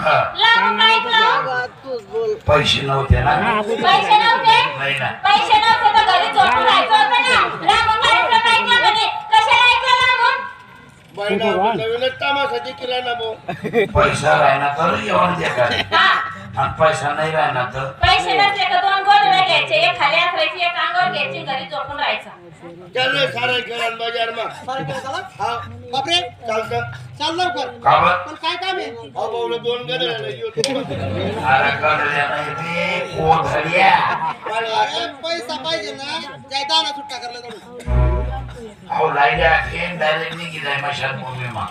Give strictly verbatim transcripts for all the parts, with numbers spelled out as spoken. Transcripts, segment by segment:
लावून काय लावून तूच बोल. पैसे नव्हते ना पैसे नव्हते नाही ना पैसे नव्हते तर घरी झोपून राहायचं होतं ना लावून कार्यक्रम ऐकला म्हणे कशाला ऐकलं लावून बाईला नवीनच तमाशाची केला ना भाऊ. पैसा राहिना तर येऊन दे का हा आणि पैसा नाही राहिना तर पैसे नसले का दोन गोधड्या घ्यायचे एक खाली आखरायची एक अंगावर घ्यायची घरी झोपून राहायचं चल रे सारे खेळान बाजार मा. हा बापरे चालतं चाल लवकर. का बरं? पण काय काम आहे? अहो भाऊला दोन गदर अरे कडल्या नाही ते कोथळ्या अरे पैसा पाहिजे ना जाय दाना सुट्टा करला जाऊ. अहो लाईल्या खेळ डायरेक्ट निघी जाय मशान भूमी मा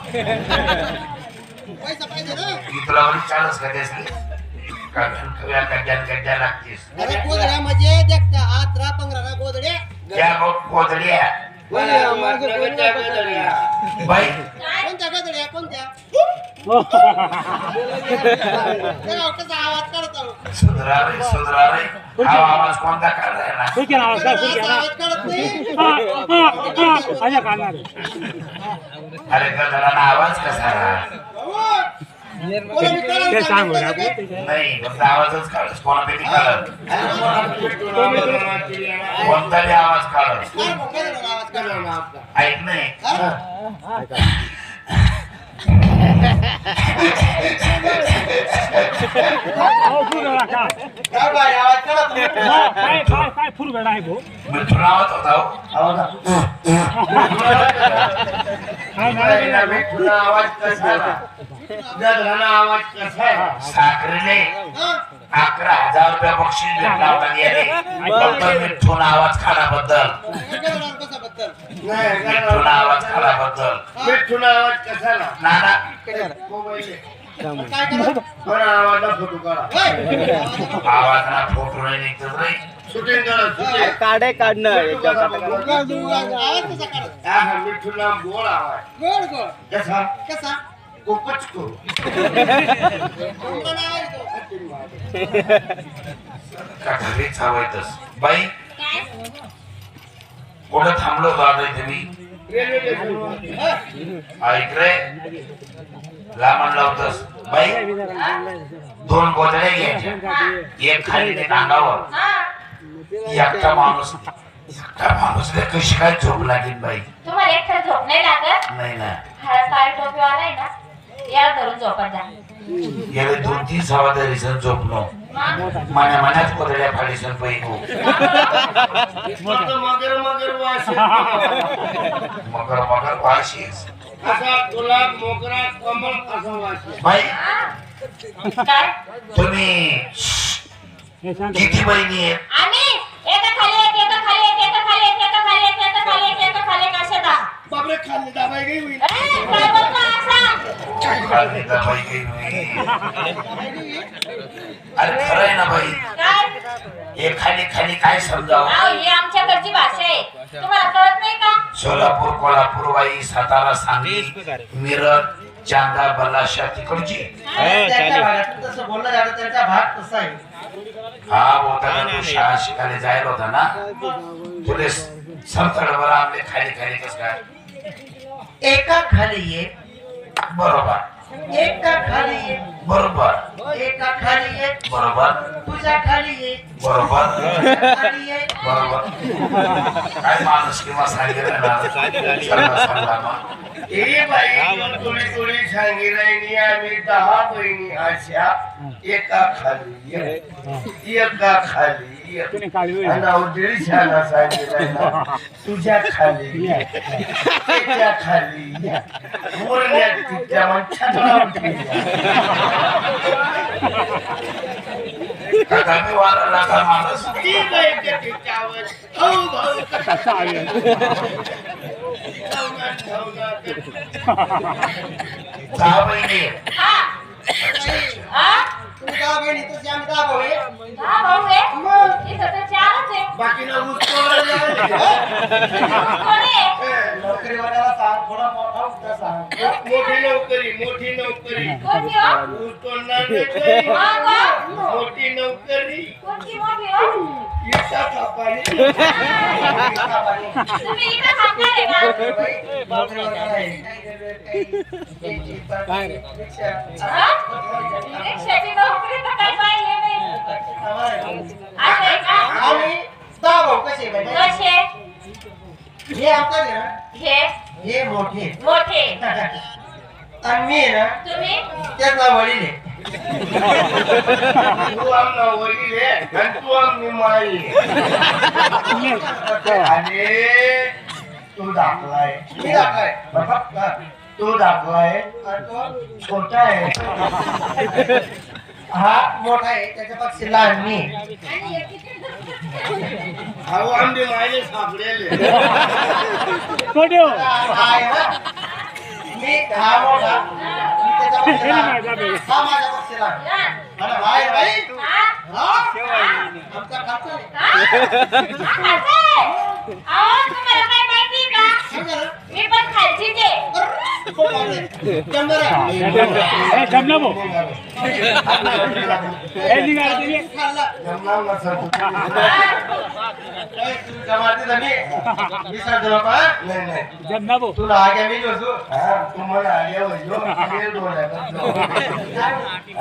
पैसा पाहिजे ना. की तुला वरी चालच का त्यासली का खव्या कड्यान कड्या लागतीस अरे गोदड्या म्हणजे देखता हात रा पंगरा गोदड्या. त्या कोथळ्या बाई कोणत्या गदड्या कोणत्या? तेव्हा कसा आवाज करत आहो. सुधरा रे सुधरा रे हा आवाज कोणता काढायला असा आवाज करत नाही. अरे गदराना आवाज कसा कोणी विचारायला सांगितलं काय? नाही फक्त आवाजच काढस कोणापैकी काढत कोणताही आवाज काढत काय मग गदड्याला आवाज करत? ऐक नाही काय बाई आवाज करत नाही. मी तुला आवाज होता हो. पहिला भेटूला आवाज कसा आला? गदराला आवाज कसा आहे? साखरेने हा? अकरा हजार रुपया बक्षीस भेटला होता गेले फक्त मिठून आवाज काढाबद्दल गदड्याला कसा बद्दल? नाही, मिठून गदराला आवाज काढाबद्दल भेटूला आवाज कसा आला? नाना मोबाईल आहे. काय करत? बरं, आवाजला फोटो काढा. होय. आवाज ना फोटो नाही निघत रे शूटिंग करा, शूटिंग. काढे काढणं भेटू कसा बघा. आवाज कसा करत? हा, हा, मिठूला गोड आवाज. गोड गोड. कसा? कसा? खूपच गोड. कोणता नाव आहे तो? का घरीच हवायतस बाई काय कुठं थांबलो होतो आता इथे मी रेल्वे स्टेशन. ऐक रे लांबण लावतस बाई दोन गोदड्या घ्यायच्या एक खाली ते अंगावर हा एकटा माणूस एकटा माणूस रे कशी काय झोप लागेल बाई तुम्हाला एकटा झोप नाही लागत नाही ना हा काळ टोपीवाला आहे ना याला धरून झोपत जा याला दोन तीन सहा तरी झोपलो मग मना मनात गोदड्या फाडीसन पैको फक्त मगर मगर वास येतो. मगर मगर वाशीस असा गुलाब मोगरा कमल असा वास येतो. बाई काय तुम्ही किती बहिणी आहेत आम्ही एका खाली एक एका खाली एक एका खाली एक एका खाली एक एका खाली एक एका खाली एक अशा दहा बापरे खाल्ली दाबाई गई होईल. ए, काय बोलतो असा खाली तर बाई काही नाही. अरे खरं आहे ना बाई काय हे खाली खाली काय समजावं अहो ही आमच्याकडची भाषा आहे तुम्हाला कळत नाही का सोलापूर कोल्हापूर वाई सातारा सांगली मिरज चांदा बल्लाशा तिकडची त्याच्या भागात तसं बोललं जातं त्याचा भाग तसा आहे. हा होता तू शाळा शिकायला जायला होता ना तुले समतडवर आपले खाली खाली कस काय एका खाली एक, बरोबर एका खाली एक, बरोबर एका खाली एक, बरोबर तुझ्या खाली एक, बरोबर खाली एक. बरोबर काय माणूस किंवा सांगितलं ना सांगा, सांगा मग. ए बाई थोडी थोडी सांगितलं आम्ही दहा बहिणी अशा एका खाली एक, एका खाली एक. आणि अवघडी शाळा सांगितलं ना तुझ्या खाली एक, त्याच्या खाली एक. बोलण्यात तिच्या मग छान काका मी वाराला का माणूस ती बाई त्याच्यावर भाऊ भाऊ दहा बहिणी हा हा तुम्ही दहा बहिणी तशी आम्ही दहा भाऊ आहे. हा भाऊ आहे इथं तर चारच आहे बाकीना ऊस तोडायला आले. कोण आहे? नोकरीवाल्याला सांग थोडा मोठा उठा सांग. मोठी नोकरी मोठी नोकरी कोणती हो? ऊस तोडणार नाही काही. मग हो? मोठी नोकरी कोणती मोठी हो? इटा कापायला. तुम्ही इकडे थांबणार आहे का? नोकरीवाल्याला आहे. हा? रिक्षाची नोकरी तर काही पाहिली नाही. असं आहे का? आम्ही दहा भाऊ कसे माहिती आहे? कसे? हे आमचं आहे ना हे हे मोठे मोठे. आणि मी आहे ना तुम्ही त्याचा वडील आहे. तू आमना वडील आहे आणि तू आमनी माई आहे. आणि तू दाखलाय मी दाखलाय. बघा, तू दाखलाय आणि तो छोटा आहे. हा मोठा आहे त्याच्या पक्षी लहान मी. आणि हे किती? अहो आमचे मायने सापडेले. हा आहे ना मी हा मोठा मी त्याच्या पक्षी लहान. हा माझ्या पक्षी लहान. लहान. आणि हा आहे बाई हा? हा आमचा खातो आहे. हा? हा, असं आहे? अहो, तुम्हाला काय माहिती का? समजा ना? मी पण खालचीच आहे. खूप आवडले. जमणार आहे. खाल्ला. जमणार नसेल तर ए, तू जमाती झाली. मी सांगतो बाबा. नाही नाही तुला आगे मी नसू. हा तुम्हाला आल्या वैद्य दोन